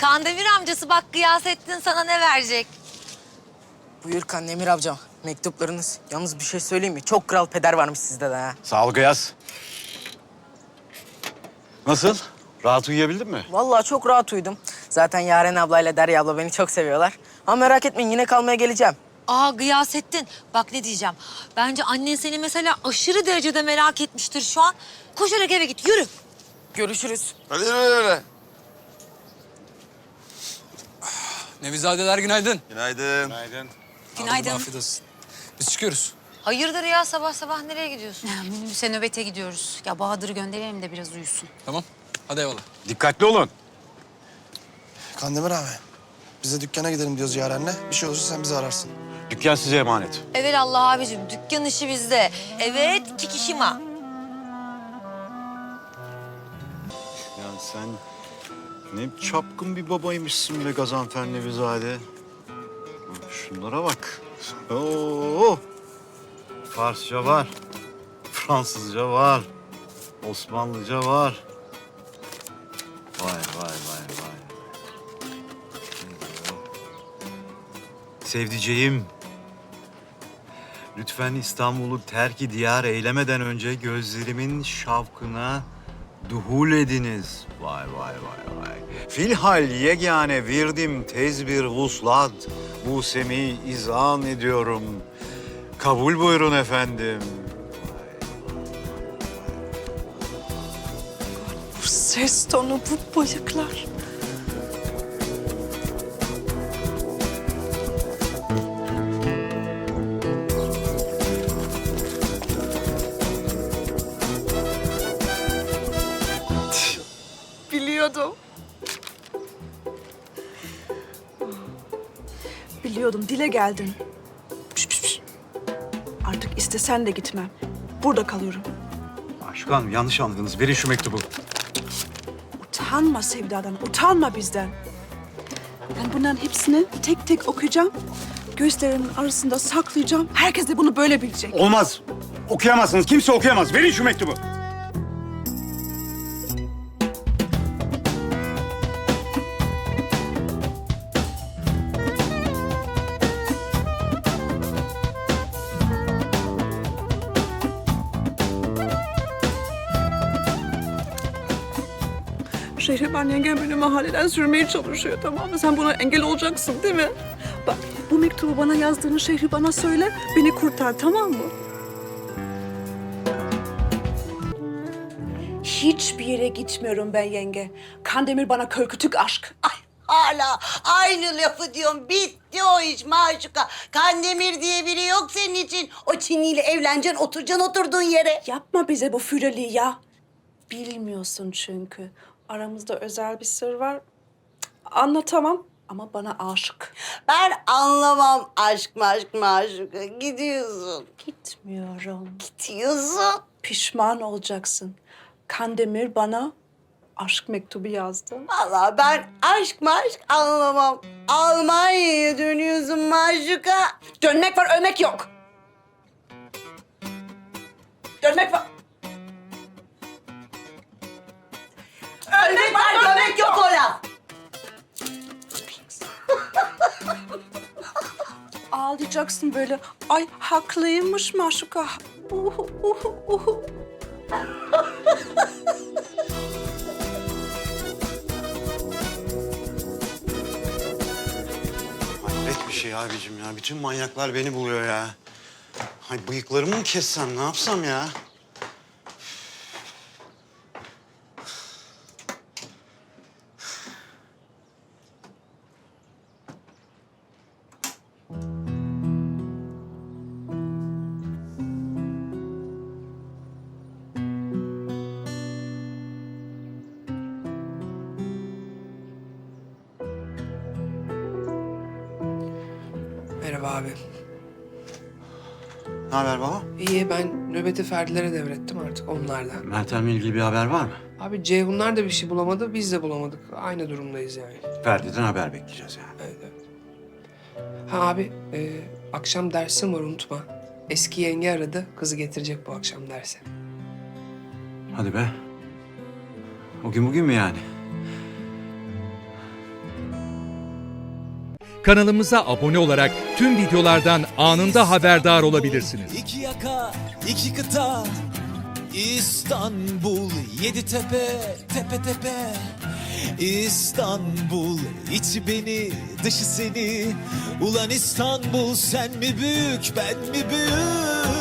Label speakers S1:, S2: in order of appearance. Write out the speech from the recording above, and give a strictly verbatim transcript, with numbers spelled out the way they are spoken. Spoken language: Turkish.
S1: Kandemir amcası bak Gıyasettin sana ne verecek?
S2: Buyur Kandemir amcam. Mektuplarınız. Yalnız bir şey söyleyeyim mi? Çok kral peder varmış sizde de ha.
S3: Sağ ol Gıyas. Nasıl? Rahat uyuyabildin mi?
S2: Vallahi çok rahat uyudum. Zaten Yaren ablayla Derya abla beni çok seviyorlar. Ama merak etmeyin yine kalmaya geleceğim.
S1: Aa Gıyasettin bak ne diyeceğim. Bence annen seni mesela aşırı derecede merak etmiştir şu an. Koşarak eve git yürü.
S2: Görüşürüz.
S4: Hadi öyle öyle.
S5: Nevizadeler günaydın.
S4: Günaydın.
S3: Günaydın.
S1: Günaydın.
S5: Afiyet olsun. Biz çıkıyoruz.
S1: Hayırdır ya sabah sabah nereye gidiyorsun?
S6: Ya, minibüse nöbete gidiyoruz. Ya Bahadır'ı gönderelim de biraz uyusun.
S5: Tamam. Hadi eyvallah.
S3: Dikkatli olun.
S7: Kandemir abi, biz de dükkana gidelim diyoruz Yaren'le. Bir şey olursa sen bizi ararsın.
S3: Dükkan size emanet.
S1: Evet Allah abicim dükkan işi bizde. Evet kikişima.
S3: Ya sen ne çapkın bir babaymışsın be Gazanfer Nevizade. Şunlara bak. Oo. Farsça var. Fransızca var. Osmanlıca var. Vay vay vay vay. Sevdiceğim. Lütfen İstanbul'u terk-i diyar eylemeden önce gözlerimin şavkına duhul ediniz. Vay vay vay vay. Filhal yegane virdim tez bir vuslat. Bu semi izan ediyorum. Kabul buyurun efendim.
S8: Bu ses tonu, bu bıyıklar. Biliyordum. Biliyordum, dile geldin. Piş, piş, piş. Artık istesen de gitmem. Burada kalıyorum.
S3: Aşkı Hanım yanlış anladınız. Verin şu mektubu.
S8: Utanma Sevda'dan, utanma bizden. Ben bunların hepsini tek tek okuyacağım. Gözlerimin arasında saklayacağım. Herkes de bunu böyle bilecek.
S3: Olmaz. Okuyamazsınız. Kimse okuyamaz. Verin şu mektubu.
S8: Şehriban yengem beni mahalleden sürmeye çalışıyor, tamam mı? Sen buna engel olacaksın değil mi? Bak, bu mektubu bana yazdığını Şehriban'a söyle, beni kurtar, tamam mı? Hiçbir yere gitmiyorum ben yenge. Kandemir bana körkütük aşk.
S9: Ay hala aynı lafı diyorum. Bitti o iş Maşuka. Kandemir diye biri yok senin için. O Çinliyle evleneceksin, oturacaksın oturduğun yere.
S8: Yapma bize bu füreliği ya. Bilmiyorsun çünkü. Aramızda özel bir sır var. Cık, anlatamam ama bana aşık.
S9: Ben anlamam aşk maşk Maşuka. Gidiyorsun.
S8: Gitmiyorum.
S9: Gidiyorsun.
S8: Pişman olacaksın. Kandemir bana aşk mektubu yazdı.
S9: Vallahi ben aşk maşk anlamam. Almanya'ya dönüyorsun Maşuka.
S8: Dönmek var, ölmek yok. Dönmek var.
S9: Ölmek var, dönmek yok o laf.
S8: Ağlayacaksın böyle. Ay haklıymış Maşuka. Uhu, uhu, uhu.
S3: Hayret bir şey abicim ya. Bütün manyaklar beni buluyor ya. Hay bıyıklarımı mı kessem, ne yapsam ya?
S10: Merhaba abi.
S3: Ne haber baba?
S10: İyi, ben nöbeti Ferdilere devrettim artık onlardan.
S3: Meltem'le ilgili bir haber var mı?
S10: Abi Ceyhunlar da bir şey bulamadı, biz de bulamadık. Aynı durumdayız yani.
S3: Ferdi'den haber bekleyeceğiz yani.
S10: Evet, evet. Ha abi, e, akşam dersim var unutma. Eski yenge aradı, kızı getirecek bu akşam derse.
S3: Hadi be. O gün bugün mü yani?
S4: Kanalımıza abone olarak tüm videolardan anında haberdar olabilirsiniz.
S11: İki yaka, iki kıta, İstanbul, yedi tepe, tepe tepe. İstanbul, içi beni, dışı seni. Ulan İstanbul, sen mi büyük, ben mi büyük?